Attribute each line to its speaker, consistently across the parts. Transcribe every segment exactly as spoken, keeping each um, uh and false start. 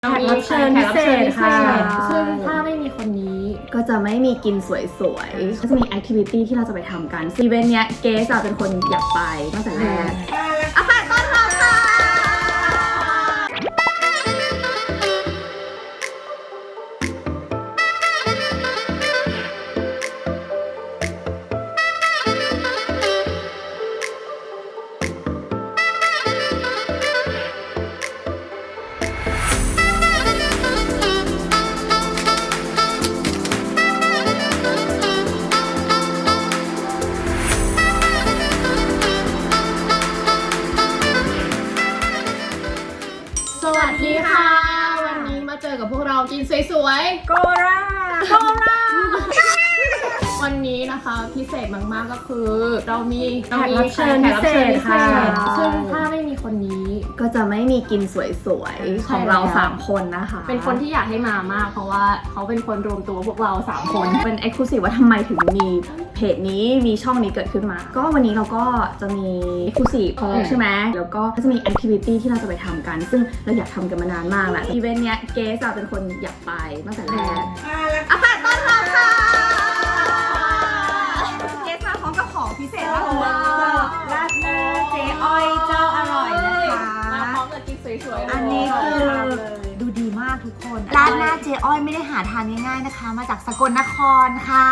Speaker 1: แขกรับเชิญพิเศษค่ะ
Speaker 2: ซึ่งถ้าไม่มีคนนี้
Speaker 1: ก็จะไม่มีกินสวยๆก็จะมีแอคทิวิตี้ที่เราจะไปทำกันอีเวนต์เนี้ยเกสเป็นคนอยากไปตั้งแต่แรกอาค่ะต้อนรับค่ะ
Speaker 2: สวัสดีค่ะวันนี้มาเจอกับพวกเรากินสวยๆ
Speaker 1: โกราโกรา
Speaker 2: วันนี้นะคะพิเศษมากๆก็คือเรามีแข
Speaker 1: กรับเชิญพิเศษค่ะ
Speaker 2: ซึ่งถ้าไม่มีคนนี้
Speaker 1: ก็จะไม่มีกินสวยๆของเราสามคนนะคะ
Speaker 2: เป็นคนที่อยากให้มามากเพราะว่าเขาเป็นคนรวมตัวพวกเราสามคน
Speaker 1: เป็นเอ็กซ์คลูซีฟว่าทำไมถึงมีเพจนี้มีช่องนี้เกิดขึ้นมาก็วันนี้เราก็จะมีเอ็กซ์คลูซีฟใช่ไหมแล้วก็จะมีแอคทิวิตี้ที่เราจะไปทำกันซึ่งเราอยากทำกันมานานมากแล้วอีเวนต์เนี้ยเกสเป็นคนอยากไปตั้งแต่แรกอาค่ะต้อนรับค่ะเกสมาพร้อมกับของพิเศษมากเลยราดหน้าเจ๊อ้อยเจ้าอร่อยนะคะ
Speaker 2: มาพร้อมกับกินสวยๆ
Speaker 3: อันนี้คือดูดีมากทุกคนร้านหน้าเจ๊อ้อยไม่ได้หาทานง่ายๆนะคะ มาจากสกลนครค่ะ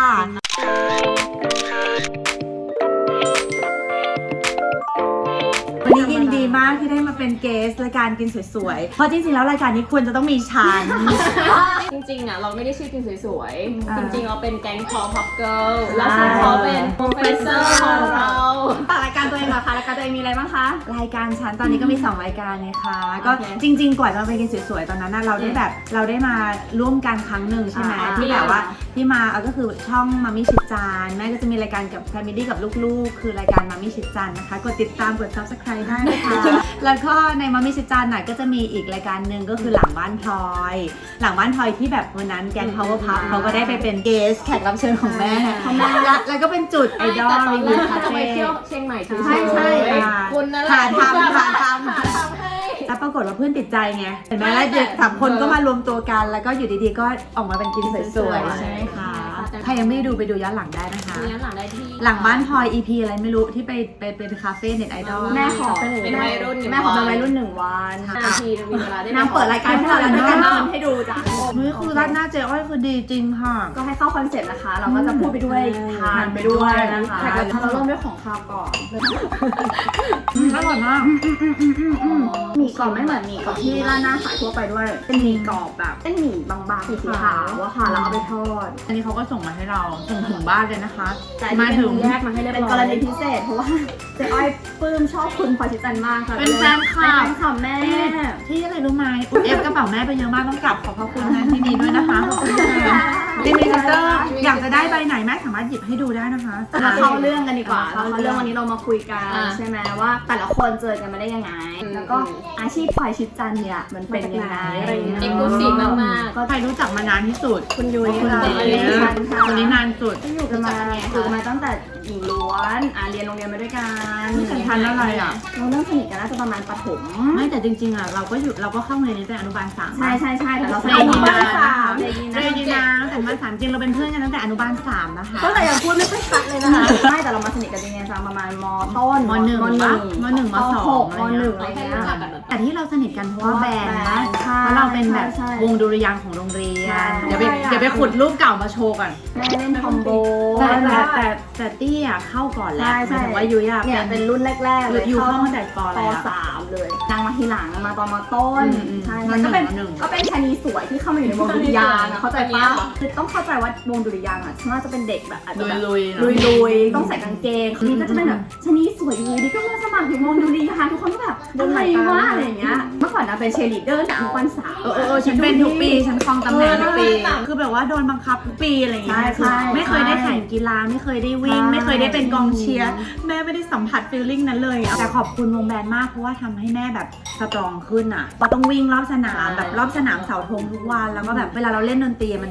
Speaker 3: วันนี้ยินดีมากที่ได้มาเป็นเกสรายการกินสวยๆเพราะจริงๆแล้วรายการนี้ควรจะต้องมีฉัน
Speaker 2: จริงๆอ่ะเราไม่ได้ชื่อกินสวยๆ
Speaker 3: อ่า
Speaker 2: จริงๆเราเป็นแก๊งพอพับเกิลแล้วซึ่งเขาเป็นโปรเฟสเซอร์ของเรา
Speaker 1: ฝากรายการตัวเองเหรอคะรายการตัวเองมีอะไรบ้างคะ
Speaker 3: รายการฉันตอนนี้ก็มีสองรายการเลยค่ะก็
Speaker 2: โอเค
Speaker 3: จริงๆกว่าจะไปกินสวยๆตอนนั้นน่ะเราได้แบบเราได้มาร่วมกันครั้งหนึ่งใช่ไหม
Speaker 1: อ่า
Speaker 3: ที่แบบว่าที่มาเออก็คือช่องมามิชิดจานแม่ก็จะมีรายการกับแฟมิลี่กับลูกๆคือรายการมามิชิดจานนะคะกดติดตามกด ซับสไครบ์ ได้นะคะ แล้วก็ในมามิชิดจานน่ะก็จะมีอีกรายการหนึ่งก็คือหลังบ้านพลอยหลังบ้านพลอยที่แบบวันนั้นแกง power pup เขาก็ได้ไปเป็นเกสแขกรับเชิญของแม่แล้วแล้วก็เป็นจุดไอดอล
Speaker 2: แต่ตอน
Speaker 3: รี
Speaker 2: แร
Speaker 3: วิว
Speaker 2: ก
Speaker 3: คา
Speaker 2: จะไป
Speaker 3: เฟ่
Speaker 2: เที่ยวเชียงใหม่เฉยๆ
Speaker 3: ใช่ใช่
Speaker 2: คุณนั่นแหละ
Speaker 3: หาทำหาทำ
Speaker 2: หาทำให้
Speaker 3: แล้วปรากฏว่าเพื่อนติดใจไงเห็นไหมแล้วเด็กสามคนก็มารวมตัวกันแล้วก็อยู่ดีๆก็ออกมาเป็นกินสวยๆใช่ไหมคะใครยังไม่ได้ดูไปดูย้อนหลังได้นะคะ
Speaker 2: ดูย้อนหลังได้ที่
Speaker 3: หลังบ้านพลอย อี พี อะไรไม่รู้ที่ไปไปเป็นคาเฟ่เน็ตไอดอล
Speaker 1: แม่ขอ
Speaker 2: เป็นวัยรุ่น
Speaker 1: แม่ขอเป็นวัยรุ่นหนึ่งวัน
Speaker 2: นาทีมีเวลาได้
Speaker 1: นางเปิดรายการให้เราแล้วด้วยกันให้ดูจ้ะ
Speaker 3: นี่คือร้านหน้าเจ๊อ้อยคือดีจริงค่ะ
Speaker 1: ก็ให้เข้าคอนเซ็ปต์นะคะ เราก็จะพูดไปด้วยทานไปด้วยนะคะ
Speaker 3: แขกรับเชิญ
Speaker 1: เราเริ่มด้วยของคาวก่อน
Speaker 3: อร่อยมาก
Speaker 1: หมี่กรอบไม่เหมือนหมี่กรอบที่ร้านหน้าขายทั่วไปด้วย เป็นหมี่กรอบแบบเป็นหมี่บางๆสีขาวอะค่ะแล้วเอาไปทอด
Speaker 3: อันนี้เขาก็ส่งมาให้เราส่งถึงบ้านเลยนะคะ
Speaker 1: แต่อันนี้
Speaker 3: มาถึง
Speaker 1: เป็นแยกมาให้เรียบร้อยเป็นกรณีพิเศษเพราะว่าเจ๊อ้อยปลื้มชอบคุณพลอยชิดจันทร์มากค่ะ
Speaker 3: เป็นแฟนคลับ
Speaker 1: เป็นแฟนคลับแม่
Speaker 3: ที่อะไรรู้ไหมเอฟกระเป๋าแม่ไปเยอะมากต้องกลับขอบพระคุณนะที่นี้ด้วยนะคะขอบคุณค่ะดิมิเตอร์อยากจะได้ใบไหนแม่สามารถหยิบให้ดูได้นะคะ
Speaker 1: มาเข้าเรื่องกันดีกว่า
Speaker 3: เข้า
Speaker 1: เข้า
Speaker 3: เรื่
Speaker 1: เรื่
Speaker 3: อ
Speaker 1: อง งวันนี้เรามาคุยกัน
Speaker 2: อ่ะ
Speaker 1: ใช่ไหมว่าแต่ละคนเจอกันมาได้ยังไง แล้วก็อาชีพพลอยชิดจันทร์เนี่ยมันเป็นยังไงอะไรอย่างเงี้ย
Speaker 2: เอ็กซ์คลูซีฟมากๆ
Speaker 3: ก็ใครรู้จักมานานที่สุด
Speaker 1: คุณยุ้ย
Speaker 3: คุณ
Speaker 1: ค่ะ
Speaker 3: เอ๋คนนี้นานสุด
Speaker 1: ที่อยู่กันมาอยู่กันมาตั้งแต่หญิงล้วนอ่ะเรียนโรงเรียนมาด้วยกัน
Speaker 3: สัมพันธ์อะไรอ่ะ
Speaker 1: เราเริ่มสนิทกันน่าจะประมาณประถม
Speaker 3: ไม่แต่จริงๆอ่ะเราก็อยู่เราก็เข้าโรงเรียนนี้ตั้งแต่อนุบาลสาม
Speaker 1: ใช่ใช่ใช่แต่เราส
Speaker 3: เร
Speaker 1: นิท
Speaker 3: ยี
Speaker 1: กัน
Speaker 3: นา
Speaker 1: สาม
Speaker 3: เรยีนาเรยีนาตั้งแต่อนุบาลสามจริงเราเป็นเพื่อนกันตั้งแต่อนุบาลสามนะคะ
Speaker 1: ตั้งแต่ยังพูดไม่ค่อยชัดเลยนะคะใช่แต่เรามาสนิทกันจริงๆจังประมาณมต้น
Speaker 3: มหนึ่ง
Speaker 1: มหนึ่ง
Speaker 3: มหนึ่งมสอง
Speaker 1: หก
Speaker 3: อะไร
Speaker 1: ม
Speaker 3: เงี้ย
Speaker 1: หนึ่งอะไรเงี้ย
Speaker 3: แต่ที่เราสนิทกันเพราะว่าแบรนด์นะ
Speaker 1: ใช่
Speaker 3: เพราะเราเป็นแบบ
Speaker 1: ใช่
Speaker 3: วงดุริยางค์ของโรงเรีย
Speaker 1: ใช่
Speaker 3: น เดี๋ยวไปเดี๋ยวไปขุดรูปเก่ามาโชว์ก่อน
Speaker 1: แม่เล่นคอมโบ
Speaker 3: แต่แต่แต่แต่ตี้อ่ะเข้าก่อนแล้ว
Speaker 1: ใช่
Speaker 3: ห
Speaker 1: ใช่
Speaker 3: มายถึงว่ายุ้ยอ่ะ
Speaker 1: เนี่ยเป็นรุ่นแรกๆเลย
Speaker 3: อยู่เข้าตั้งแต่ปอะไร
Speaker 1: ป
Speaker 3: อะ
Speaker 1: สามเลยนางมาทีหลังมาตอนมาต้น
Speaker 3: อืมอืม
Speaker 1: ใช่
Speaker 3: ม
Speaker 1: ก็เป็น
Speaker 3: หนึ่ง
Speaker 1: ก็เป็นชะนีสวยที่เข้ามาอยู่ในวงดุริยางค์อะเข้าใจป่ะคือต้องเข้าใจว่าวงดุริยางค์อ่ะฉันว่าจะเป็นเด็กแบบอาจจะแบบ
Speaker 3: ลุยๆเนอะ
Speaker 1: ลุยๆต้องใส่กางเกงนี่ก็จะเป็นแบบชะนีสวยอยู่ดีก็มาสมัครอยู่วงดุริยางค์ทุกคนก็แบบอะไรวะอะไรอย่างเงี้ยเมื่อก่อนนะเป็นเชยร์ลีดเดอร์จากทุกวันเสาร์
Speaker 3: เออเออเออฉันเป็นทุกปีฉันครองตำแหน่งทุกปี
Speaker 2: เออ
Speaker 3: คือแบบว่าโดนบังคับทุกปีอะไรอย่างเงี้ย
Speaker 1: ใช่ใช่
Speaker 3: คือไม่เคยได้แข่งกีฬาไม่เคยได้วิ่ง
Speaker 1: ใช่
Speaker 3: ไม่เคยได้เป็นกองเชียร์แม่ไม่ได้สัมผัสฟีลลิ่งนั้นเลยอะแต่ขอบคุณวงแบนมากเพราะว่าทำให้แม่แบบสตรองขึ้นอ่ะเราต้องวิ่งรอบสนามแบบรอบสนามเสาธงทุกวันแล้วก็แบบเวลาเราเล่นดนตรีมันแบบได้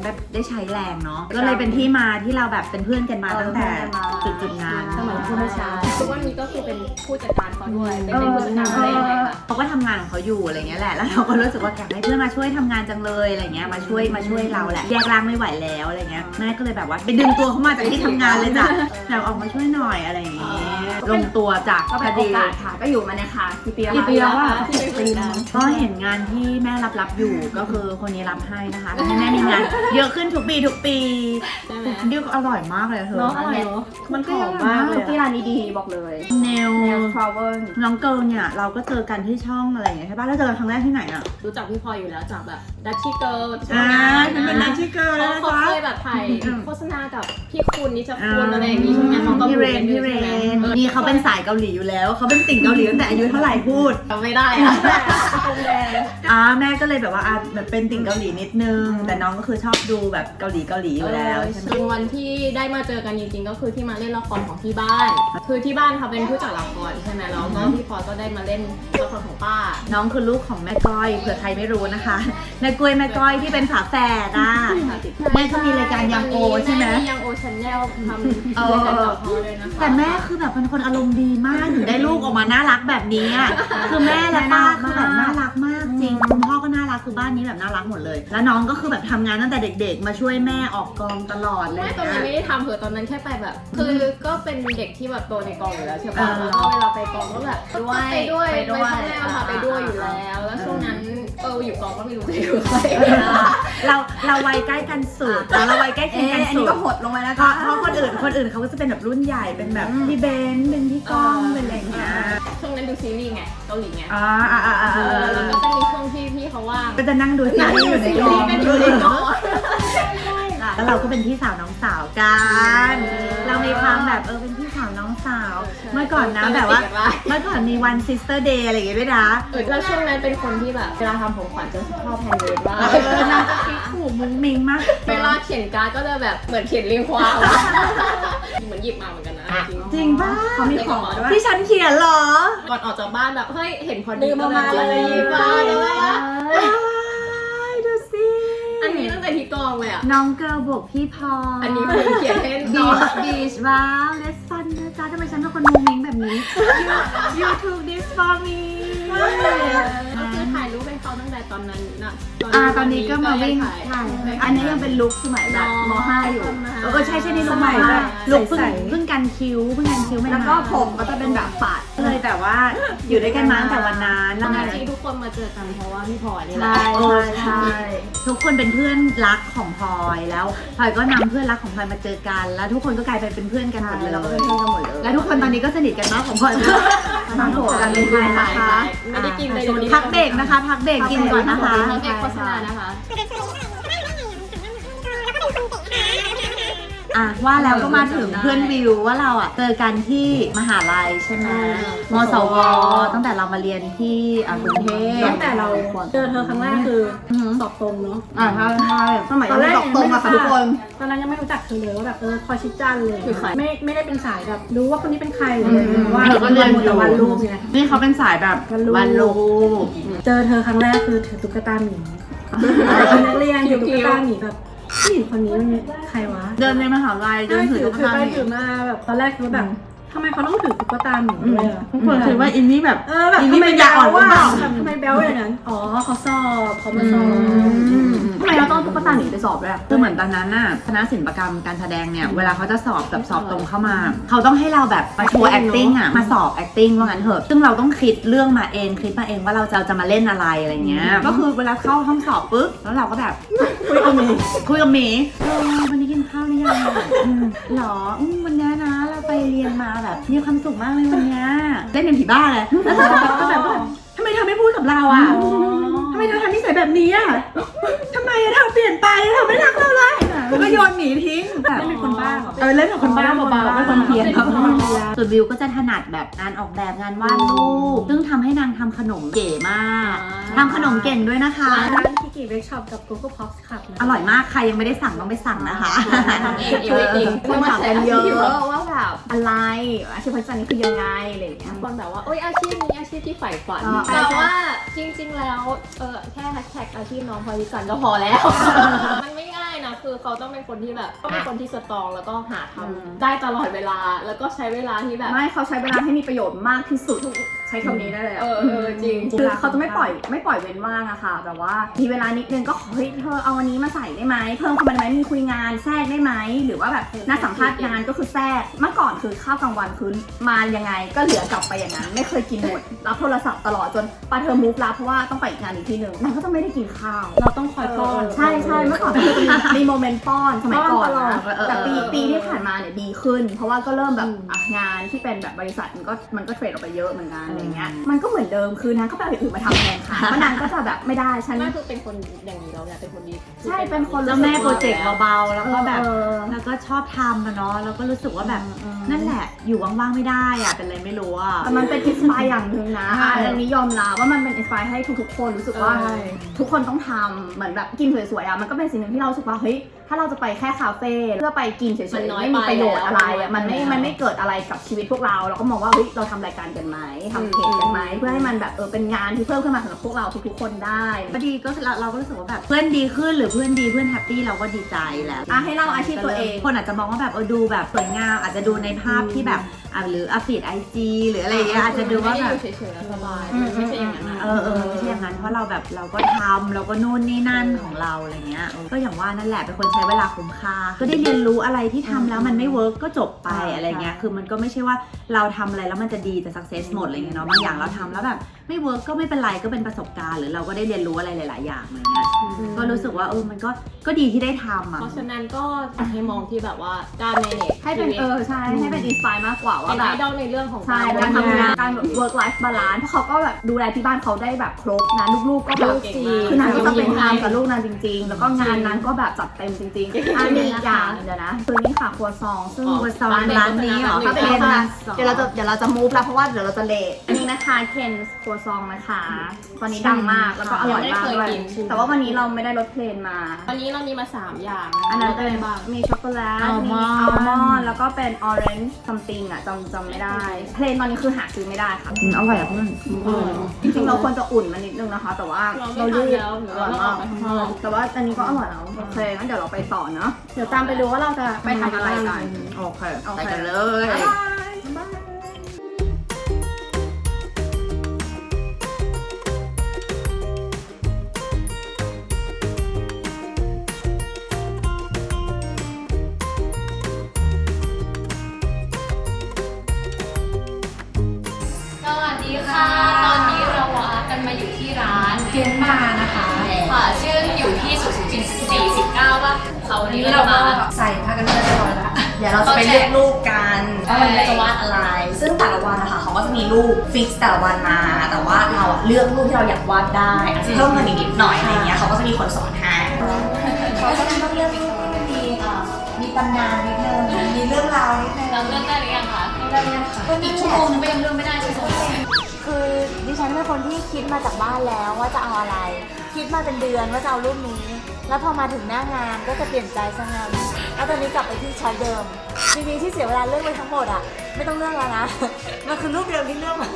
Speaker 3: ใช้แรงเนาะก็เลยเป็นที่มาที่เราแบบเป็นเพื่อนกันมาตั้งแต่จุดจุดๆนั้น
Speaker 2: สมัยผู้ไม่ใช่ทุกวันนี้ก็คือเป็นผู้จัดการเขาด้วยเป็นเป็นผู้จัดการอะไรอย่างเงี้ยค่ะ
Speaker 3: เขาก็ทำงานของเขาอยู่อะไรเงี้ยแหละแล้วเราก็รู้สึกว่าอยากให้เพื่อนมาช่วยทำงานจังเลยอะไรเงี้ยมาช่วยมาช่วยเราแหละแยกร่างไม่ไหวแล้วอะไรเงี้ยแม่ก็เลยแบบว่าไปดึงตัวเขามาจากที่ทำงานเลยจ้ะอยากออกมาช่วยหน่อยอะไรอย่างเงี้ยลงตัวจาก
Speaker 1: ก็
Speaker 3: พ
Speaker 1: เป็
Speaker 3: อน
Speaker 1: โอ
Speaker 3: ดี
Speaker 1: กาสค่ะก็อยู่มาเนี่ยค่ะกี่ปีแล้ว
Speaker 3: กี่ปีแล้วอะ
Speaker 1: ที่เป็นปีแล้ว
Speaker 3: ก็เห็นงานที่แม่รับรับอยู่ก็คือคนนี้รับให้นะคะทำให้แม่มีงานเยอะขึ้นทุกปีทุกปี
Speaker 2: ใช่ไหม
Speaker 3: ดิวอร่อยมากเลยเธอ
Speaker 2: เนาะอร่อยเนาะมันหอมมากเล
Speaker 1: คุ
Speaker 2: ย
Speaker 1: กกี้ร้านนี้ดีบอกเลย
Speaker 3: เนล
Speaker 1: แนวทราเวล
Speaker 3: น้องเกิร์ลเนี่ยเราก็เจอกันที่ช่องอะไรอย่างเงี้ยใช่ป่ะแล้วเจอกันครั้งแรกที่ไหนอ่ะ
Speaker 2: รู้จักพี่พลอยอยู่แล้วจากแบบดัชชี่เกิร์ล
Speaker 3: อ่าฉันเป็นนักที่เกิร์ล
Speaker 2: เขา
Speaker 3: นะ
Speaker 2: เขา
Speaker 3: คะ
Speaker 2: เคยแบบถ่ายโฆษณากับพี่คุณนิชคุณอะไรอย่างงี้ใช่ไหมเขาก็
Speaker 3: พี่
Speaker 2: พู
Speaker 3: เร
Speaker 2: ดกัน น
Speaker 3: พี่เร
Speaker 2: ใช่ไหม
Speaker 3: นนี่เขาเป็นสายเกาหลีอยู่แล้วเขาเป็นติ่งเกาหลีตั้งแต่อายุเท่าไหร่พูด
Speaker 2: จำไม่ได้อะ
Speaker 3: อ่าแม่ก็เลยแบบว่าอ่ะแบบเป็นติ่งเกาหลีนิดนึงแต่น้องก็คือชอบดูแบบเกาหลีเกาหลีอยู่แล้วใช่ไหม
Speaker 2: จนวันที่ได้มาเจอกันจริงๆก็คือที่มาเล่นละครของที่บ้าน คือที่บ้านเขาเป็นผู้จัดละครใช่ไหมแล้วก็พี่พลอยก็ได้มาเล่นละครของป้า
Speaker 3: น้องคือลูกของแม่ก้อยเผื่อใครไม่รู้นะคะแม่กล้วยแม่ก้อยที่เป็นฝาแฝดอ่ะแม่ก็มีรายการยังโอใช่ไหม
Speaker 2: แม่ยังโอชันแนลทำรายการต่อเขาเลยนะคะ
Speaker 3: แต่แม่คือแบบเป็นคนอารมณ์ดีมากถึงได้ลูกออกมาน่ารักแบบนี้อ่ะคือแม่และป้าคือแบบน่ารักมากจริงคุณพ่อก็น่ารักคือบ้านนี้แบบน่ารักหมดเลย แล้วน้องก็คือแบบทำงานตั้งแต่เด็ก ๆ มาช่วยแม่ออกกองตลอดเลย
Speaker 2: ไม่ตอนนั้นไม่ได้ทำเหอะตอนนั้นแค่ไปแบบ คือก็เป็นเด็กที่แบบโตในกองอยู่แล้วใช่ปะ
Speaker 3: เออ
Speaker 2: แล้วก็เวลาไปกองก็แบบ
Speaker 1: ด้วย
Speaker 2: ไปด้วย
Speaker 1: ไปด้วย
Speaker 2: ไปช่องแนวค่ะไปด้วยอยู่แล้ว แล้วช่วงนั้นเอออยู่กองก็ไม่รู้จะอยู่ใคร
Speaker 3: เราเราวัยใกล้กันสุดแล้วเราวัยใกล้เคียง
Speaker 1: เอ๊ะ
Speaker 3: กัน
Speaker 1: อัน
Speaker 3: สุ
Speaker 1: นี้
Speaker 3: ด
Speaker 1: ก็หดลงไปแล้ว
Speaker 3: เพราะเพราะคนอื่นคนอื่นเขาก็จะเป็นแบบรุ่นใหญ่เป็นแบบพี่เบนซ์เป็นพี่ก้องเป็นอะไรอย่างเงี้ย
Speaker 2: ช่วงนั้นดูซีรีส์ไงเกาหลีไง
Speaker 3: อ่าอ่าอ่าอ่า
Speaker 2: เออแล้วก็จะมีช่วงที่พี่เขาว่าง
Speaker 3: ก็จะนั่งดูซีรีส์อยู่ในกอง
Speaker 2: กันอยู่ในกอง
Speaker 3: แล้วเราก็เป็นพี่สาวน้องสาวกัน เรามีความแบบเออเป็นพี่สาวน้องสาว เมื่อก่อนนะแบบว่าเมื่อก่อนมีวันซิสเตอร์เดย์อะไรอย่างเงี้ยด้วยนะ
Speaker 2: เออแล้วช่วงนั้นเป็นคนที่แบบเวลาทำผมขวัญจะชอบแฮนด์เมดมาก
Speaker 3: เออนางจะคิดถูกมุ้งมิงมาก
Speaker 2: เวลาเขียนการ์ดก็จะแบบเหมือนเขียนเรียงความเหมือนหยิบมาเหมือนกันนะจริง
Speaker 3: จริงป่ะ
Speaker 1: เขามีของด้วย
Speaker 3: ที่ฉันเขียนเหรอ
Speaker 2: ก่อนออกจากบ้านแบบเฮ้ยเห็นพอดี
Speaker 1: ลืมเอามาเลย
Speaker 2: หยิบมาเลย
Speaker 3: ว้ายดูสิ
Speaker 2: อันนี้ตั้งแต่ที่กองเลยอ่ะ
Speaker 3: น้องเกิร์ลบวกพี่พอ
Speaker 2: อันนี้คุณเขียนให้
Speaker 3: บี
Speaker 2: น้อง
Speaker 3: ชบีชว้าวเลสฟันนะจ๊ะทำไมฉันเป็นคนมุ้งมิงแบบนี้ you you took this for me
Speaker 2: ก็คือถ่ายรูปให้เขาตั้งแต่ตอนนั้นนะ
Speaker 3: อ่าตอนนี้ก็มาวิ่ง
Speaker 2: ถ่าย
Speaker 3: ถ่าย
Speaker 1: อันนี้ยังเป็นลุคสมัยแบบม .ห้า อยู่
Speaker 3: เออใช่ใช่นี่ลุกใหม่แบบลุกเพิ่งเพิ่งกันคิ้วเพิ่งกันคิ้วใหม่ๆ
Speaker 1: แล้วก็ผมก็จะเป็นแบบปาด
Speaker 3: เลยแต่ว่าอยู่ด้วยกันมาตั้งแต่วันนั้น
Speaker 2: ต
Speaker 3: แล้
Speaker 2: อ
Speaker 3: วน ไง
Speaker 2: นั้นที่ทุกคนมาเจอกันเพราะว่าพี่พลอยนี่แหละ
Speaker 1: ใช่
Speaker 3: โอ้
Speaker 1: ใช่
Speaker 3: ใช่ทุกคนเป็นเพื่อนรักของพลอยแล้วพลอยก็นำเพื่อนรักของพลอยมาเจอกัน แล้วทุกคนก็กลายไปเป็นเพื่อนกันหมดเลย
Speaker 1: เราก็เป็นเพื่อนกันหมดเลย
Speaker 3: และทุกคนตอนนี้ก็สนิทกันมากของพลอย
Speaker 1: มาโผล่กันเลยนะคะ
Speaker 2: ไม่ได้กินเลยดี๋ยวนี้
Speaker 3: พักเบรกนะคะ พักเบรกกินก่อนนะคะ
Speaker 2: พักเบรกโฆษณานะคะ
Speaker 3: อ่ะว่าแล้วก็มาถึงเพื่อนวิวว่าเราอ่ะเจอกันที่มหาลัยใช่ไหมมสวตั้งแต่เรามาเรียนที่อ่ะกรุงเทพ
Speaker 4: ตั้งแต่เราเจอเธอครั้งแรกคือ
Speaker 3: อือหือ
Speaker 4: สอบตรงเนาะ
Speaker 3: อ่ะใช่ใช่
Speaker 1: สมัยยังไม่ตกตรงอะค่ะทุกคน
Speaker 4: ตอนนั้นยังไม่รู้จักเธอเลยว่าแบบเออคอยชิดจันเลย
Speaker 2: คือใคร
Speaker 4: ไม่ไม่ได้เป็นสายแบบรู้ว่าคนนี้เป็นใครเลยว่า
Speaker 3: เธอก็เรียนอยู่
Speaker 4: แต่วันรูปไง
Speaker 3: นี่เขาเป็นสายแบบ
Speaker 4: วันรูป
Speaker 3: วันรูป
Speaker 4: เจอเธอครั้งแรกคือถือตุ๊กตาหมีเป็นนักเรียนถือตุ๊กตาหมีแบบผู้หญิงคนนี้มันใครวะ
Speaker 3: เดินในมหาลัยเดินถือตุ๊ก
Speaker 4: ถือ
Speaker 3: ตา
Speaker 4: ไป
Speaker 3: หมี
Speaker 4: ถือมาแบบตอนแรกคิดว่าแบบทำไมเขาต้องถือตุ๊กตาหมีด้วยอะ
Speaker 3: ทุกคนคิดว่าอินนี่แบบ
Speaker 4: เออแบบ
Speaker 3: อิน
Speaker 4: ทำ
Speaker 3: นี่
Speaker 4: ไม
Speaker 3: เป็นยา
Speaker 4: แบ๊
Speaker 3: อ่อน
Speaker 4: ว
Speaker 3: หรือ
Speaker 4: ว่า
Speaker 3: เปล่า
Speaker 4: ทำไมแบ๊วอย่างนั้นอ๋อเขาสอบเขามาสอบ
Speaker 1: ทำไมเราต้องตุ๊กตาหนีไปสอบด้วยอะ
Speaker 3: คือเหมือนตอนนั้นน่ะคณะศิลปกรรมการแสดงเนี่ยเวลาเขาจะสอบแบบสอบตรงเข้ามา เขาต้องให้เราแบบมาโชว์ acting อ่ะมาสอบ acting ว่างั้นเถอะซึ่งเราต้องคิดเรื่องมาเองคิดมาเองว่าเราจะจะมาเล่นอะไรอะไรเงี้ยก็คือเวลาเข้าห้องสอบปุ๊บแล้วเราก็แบบ
Speaker 4: คุยกับหมี
Speaker 3: คุยกับหมีเออวันนี้กินข้าวหรือยังอืมหรออืมวันนี้นะเราไปเรียนมาแบบมีความสุขมากเลยวันนี้เล่นเป็นผีบ้าเลยแล้วก็แบบก็แบบว่าทำไมเธอไม่พูดกับเราอ่ะทำไมเธอทำนิสัยแบบนี้อ่ะทำไมอะเธอเปลี่ยนไปเธอไม่รักเราเลยแล้วก็โยนหมีทิ้งแบบ
Speaker 4: ไม่เป็นคนบ้าเหรอ
Speaker 3: เออเล่นกับคนบ้าเบาๆไม่คนเพี้ยน
Speaker 4: เป็นคนเพี้ยน
Speaker 3: ส่วนวิวก็จะถนัดแบบงานออกแบบงานวาดรูปซึ่งทำให้นางทำขนมเก๋มากทำขนมเก่งด้วยนะคะ
Speaker 4: ร้านคิกิเวิร์กช็อปกับ Google Pops Club นะ
Speaker 3: อร่อยมากใครยังไม่ได้สั่งต้องไปสั่งนะคะ
Speaker 2: ทำเองเองเอง
Speaker 1: คนถามกันเยอะว่าแบบอะไรอาชีพพจน์นี้คือยังไงอะไรอย่างเงี้ย
Speaker 2: คนแบบว่าโอ้ยอาชีพนี้อาชีพที่ใฝ่ฝัน
Speaker 1: อ๋อ
Speaker 2: แต่ว่าจริงๆแล้วเออแค่แฮชแท็กอาชีพน้องพลอยวิจันทร์ก็พอแล้ว มันไม่ง่ายนะคือเขาต้องเป็นคนที่แบบต้องเป็นคนที่สตรองแล้วก็หาท
Speaker 1: อืม
Speaker 2: ำได้ตลอดเวลาแล้วก็ใช้เวลาที่แบบ
Speaker 1: ไม่เขาใช้เวลาให้มีประโยชน์มากที่สุดใช้คำนี้ได้เลยอะ
Speaker 2: เออเออจริง
Speaker 1: คือเขาจะไม่ปล่อยไม่ปล่อยเว้นว่างอะค่ะแบบว่ามีเวลานิดนึงก็ขอเฮ้ยเธอเอาวันนี้มาใส่ได้ไหมเพิ่มเข้ามาได้ไหมมีคุยงานแทรกได้ไหมหรือว่าแบบนัดสัมภาษณ์งานก็คือแทรกเมื่อก่อนคือข้าวกลางวันคือมายังไงก็เหลือกลับไปอย่างนั้นไม่เคยกินหมดรับโทรศัพท์ตลอดจนปาเธอมูฟรับเพราะว่าต้องไปอีกงานอีกที่หนึ่งนางก็จะไม่ได้กินข้าว
Speaker 4: เราต้องคอยป้อน
Speaker 1: ใช่ใช่เมื่อก่อนคือมีมีโมเมนต์ป้อนสมัยก่อน
Speaker 4: ป้อนตลอ
Speaker 1: นะ
Speaker 4: ด
Speaker 1: แต่ปี
Speaker 3: เออ
Speaker 1: ปีที่ผ่านมาเนี่ยดีขึ้น เพราะว่าก็เริ่มแบบ
Speaker 4: อืม
Speaker 1: อ่ะงานที่เป็นแบบบริษัทมันก็มันก็เทรดออกไปเยอะเหมือนกันอะไรเงี้ยมันก็เหมือนเดิมคือนางก็ไปเอาอย่างอื่นมาทำแทนค่ะเพราะนางก็จะแบบไม่ได้ฉัน
Speaker 2: ไม่คือเป็นคนอย่างนี้เราเนี่ยเป็นคนดี
Speaker 1: ใช่เป็นคน
Speaker 3: แล้วแม่โปรเจกต์เบาๆแล้วก็แบบ
Speaker 1: เออ
Speaker 3: แล้วก็ชอบทำอะเนาะแล้วก็รู้สึกว่าแบบ
Speaker 1: อืม
Speaker 3: นั่นแหละอยู่ว่างๆไม่ได้อะเป็นอะไรไม่รู้อะ
Speaker 1: แต่มันเป็นอินสปายอย่างหนึ่งนะ
Speaker 3: ใช่
Speaker 1: อันนี้ยอมรับว่ามันเป็นอินสปายให้ทุกๆคนรู้สึกว่า
Speaker 4: ใช่
Speaker 1: ทุกคนต้องทำเหมือนแบบกินสวยๆอ่ะมันก็เป็นสิ่งหนึ่งที่เรารู้สึกว่าเฮ้ยถ้าเราจะไปแค่คาเฟ่เพื่อไปกินเฉย
Speaker 2: มัน
Speaker 1: ๆ
Speaker 2: น้อย
Speaker 1: ไม่มีประโยชน์อะไร
Speaker 2: ไปแล้
Speaker 1: อ่ะ
Speaker 2: ว
Speaker 1: มันไม่
Speaker 2: มันน้อย
Speaker 1: มันไม่เกิดอะไรกับชีวิตพวกเราเราก็มองว่าเฮ้ยเราทำรายการกันไหมทำเพจกันไหมเพื่อให้มันแบบเออเป็นงานที่เพิ่มขึ้นมาสำหรับพวกเราทุกๆคนได้
Speaker 3: ก็ดีก็เราเราก็รู้สึกว่าแบบเพื่อนดีขึ้นหรือเพื่อนดีเพื่อนแฮปปี้เราก็ดีใจแล้ว
Speaker 1: อ่ะให้เล่าอาชีพตัวเอง
Speaker 3: คนอาจจะมองว่าแบบเออดูแบบสวยงามอาจจะดูในภาพที่แบบอ่ะหรืออัปเดตไอจีหรืออะไรอย่างเงี้ยอาจจะดูว่าแบบ
Speaker 2: ไม่ได้อยู่เฉยๆแล้วสบายมันไม่ใช่อย่างนั้นนะ
Speaker 3: เออเออไม่ใช่อย่างนั้นเพราะเราแบบเราก็ทำเราก็นู่นนี่นั่นของเราอะไรเงี้ยเออก็อย่างว่านั่นแหละเป็นคนใช้เวลาคุ้มค่าก็ได้เรียนรู้อะไรที่ทำแล้วมันไม่เวิร์กก็จบไปอะไรเงี้ยคือมันก็ไม่ใช่ว่าเราทำอะไรแล้วมันจะดีจะสักเซสหมดอะไรเงี้ยเนาะบางอย่างเราทำแล้วแบบไม่เวิร์กก็ไม่เป็นไรก็เป็นประสบการณ์หรือเราก็ได้เรียนรู้อะไรหลาย ๆ อย่างอะไรเงี้ยก็รู้สึกว่าเออมันก็ก็ดีที่ได้ทำอ่ะ
Speaker 2: เพราะฉะนั้นก็อยากให้มองที่แบบว่าการ manage
Speaker 1: ให้เป็นเออใช่ให้เป็นอินสปายมากกว่า
Speaker 2: เป็
Speaker 1: ว่าน แบ
Speaker 2: ไอบ ดอลในเรื่องของ
Speaker 1: ใช่
Speaker 2: การ
Speaker 1: การทำงาน
Speaker 2: ทำ
Speaker 1: การแบบ work life balance เพราะเขาก็แบบดูแลที่บ้านเขาได้แบบครบนะลูกๆก็แบบ
Speaker 2: เก่งมาก
Speaker 1: คือนางก็จะเป็นทำกับลูกนางจริง ๆ แล้วก็งานนางก็แบบจัดเต็มจริงๆอันนี้อีกอย่างเดี๋ยวนะคือนี่ค่ะครัวซองซึ่ง
Speaker 2: อ๋อ
Speaker 1: ครัวซอง
Speaker 3: ร้านนี้เหรอ
Speaker 1: ถ้าเป็น
Speaker 3: เป็น
Speaker 1: ร้า
Speaker 3: ร้าน น
Speaker 1: เดี๋ยวเราจะเดี๋ยวเราจะ move แล้วเพราะว่าเดี๋ยวเราจะเลทอันนี้นะคะเคนครัวซองนะคะตอนนี้ดังมากแล้วก็อร่อยมากด้วย
Speaker 2: ยังไม่เคยกิน
Speaker 1: แต่ว่าวันนี้เราไม่ได้รสเพลนมา
Speaker 2: วันนี้เรามีมาสามอย่าง
Speaker 1: อันนั้น
Speaker 2: เป็
Speaker 1: เป็น
Speaker 2: นบ้าง
Speaker 1: มีช็อกโกแลต
Speaker 3: อัล
Speaker 1: มี
Speaker 3: มอนด์
Speaker 1: อัลมอนด์แล้วก็เป็นออเรนจ์ซัมติงอ่ะจำจำไม่ได้ เพลนตอนนี้คือหาซื้อไม่ได้ค่ะ
Speaker 3: อืมอร่อยอ่ะเพื่อน
Speaker 1: จริงๆเราควรจะอุ่นมันนิดนึงนะคะ แต่ว่า
Speaker 2: เราไม่
Speaker 1: รี
Speaker 2: ทำแล้วหรือว่าเราออกไปข้างนอก
Speaker 1: แต่ว่าอันนี้ก็อร่อยแล้วโอเคงั้นเดี๋ยวเราไปต่อเนาะเดี๋ยวตามไปดูว่าเราจะไปทำอะไรกัน
Speaker 3: โอเค
Speaker 1: โอเค
Speaker 3: ไปกันเลย
Speaker 5: สวัสดีค่ะ ตอนนี้เราวากันมาอยู่ที่ร้าน
Speaker 4: เกมมานะคะ
Speaker 5: ค่ะชื่ออยู่ที่สุขุมวิทสี่สิบเก้าป่ะเขาวันนี้เรามา
Speaker 4: ใส่ผ้ากันเปื้อนเรียบร้อยแล้ว
Speaker 1: เดี๋ยวเราจะไปเลือกรูปกันว่าวันนี้เราจะวาดอะไร ซึ่งแต่ละวันนะคะเขาก็จะมีรูปฟิกแต่ละวันมา แต่ว่าเราอะเลือกรูปที่เราอยากวาดได้อาจจะเพิ่มเงินอีกนิดหน่อยอะไรเงี้ยเขาก็จะมีคนสอนให้
Speaker 3: เขาก็ต้องเลือกรูปที่มันมีอ่ามีตำนานนิดนึงมีเรื่องราวนิดนึง
Speaker 5: เราเลือกได้หรือยังคะ
Speaker 3: ได้ยังค่ะ
Speaker 5: อีกชั่วโมงนึงก็ยังเลือกไม่ได้ใช่ไหม
Speaker 6: คือดิฉันเป็นคนที่คิดมาจากบ้านแล้วว่าจะเอาอะไร คิดมาเป็นเดือนว่าจะเอารูปนี้ แล้วพอมาถึงหน้างานก็จะเปลี่ยนใจซะงั้นแล้วตอนนี้กลับไปที่ช้อยเดิมจริงๆที่เสียเวลาเลือกไปทั้งหมดอ่ะไม่ต้องเลือกแล้วนะ มันคือรูปเดิมที่เลือกมา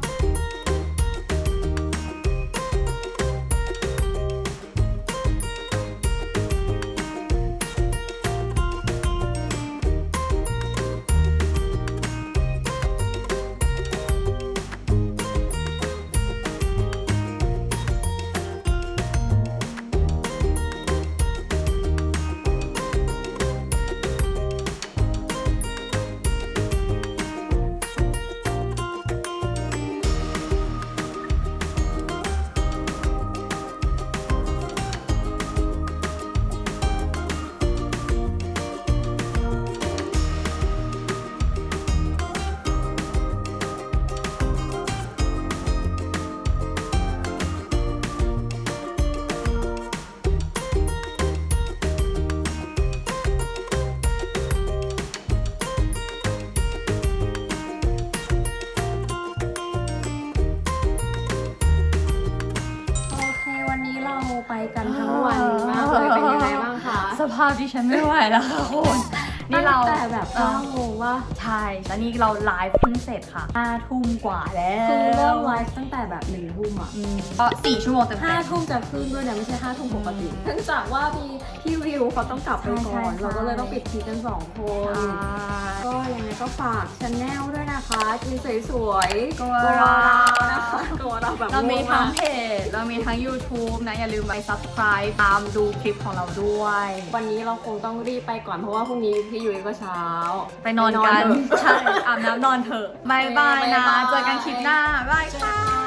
Speaker 4: โอเควันนี้เราไปกันทั้งวันมากเลยเป็นยังไงบ้างคะ
Speaker 3: สภาพดิฉันไม่ไหวแล้วค่ะคุณ
Speaker 7: นี่เรา
Speaker 4: ตั้งแต่แบบเก้าโมงว่า
Speaker 7: ใช่แล้วนี่เราไลฟ์เพิ่งเสร็จค่ะห้าทุ่มกว่าแล้ว
Speaker 4: คือเริ่มไลฟ์ตั้งแต่แบบหนึ่งทุ่มอ่ะ
Speaker 7: อืมก็สี่ชั่วโมงเต็ม
Speaker 4: ห้า
Speaker 7: ๆ
Speaker 4: ทุ่มจะขึ้นด้วยนะไม่ใช่ห้าทุ่มปกติเนื่องจากว่ามีพี่วิวเขาต้องกลับไปก่อน
Speaker 7: ใช่ใช่
Speaker 4: เราก็เลยต้องปิดทีกันสองคน ก็ยังไงก็ฝากชาแนลด้วยนะคะกินสวยๆ
Speaker 7: ตัว
Speaker 4: ตัว
Speaker 7: เรา
Speaker 4: เรานะคะตัวเราแบบ
Speaker 7: เรามี
Speaker 4: โง่
Speaker 7: ทั้ง
Speaker 4: มาก
Speaker 7: เพจเรามีทั้ง YouTube นะ อย่าลืมไป subscribe ตามดูคลิปของเราด้วย
Speaker 4: วันนี้เราคงต้องรีบไปก่อนเพราะว่าพรุ่งนี้พี่ยุ้ยก็เช้า
Speaker 7: ไปนอนกัน
Speaker 4: ไปนอนเถอะ
Speaker 7: ใช่ อาบน้ำนอนเถอะบายบายนะ
Speaker 4: บ๊ายบาย
Speaker 7: เจอกันคลิปหน้า บายค่ะ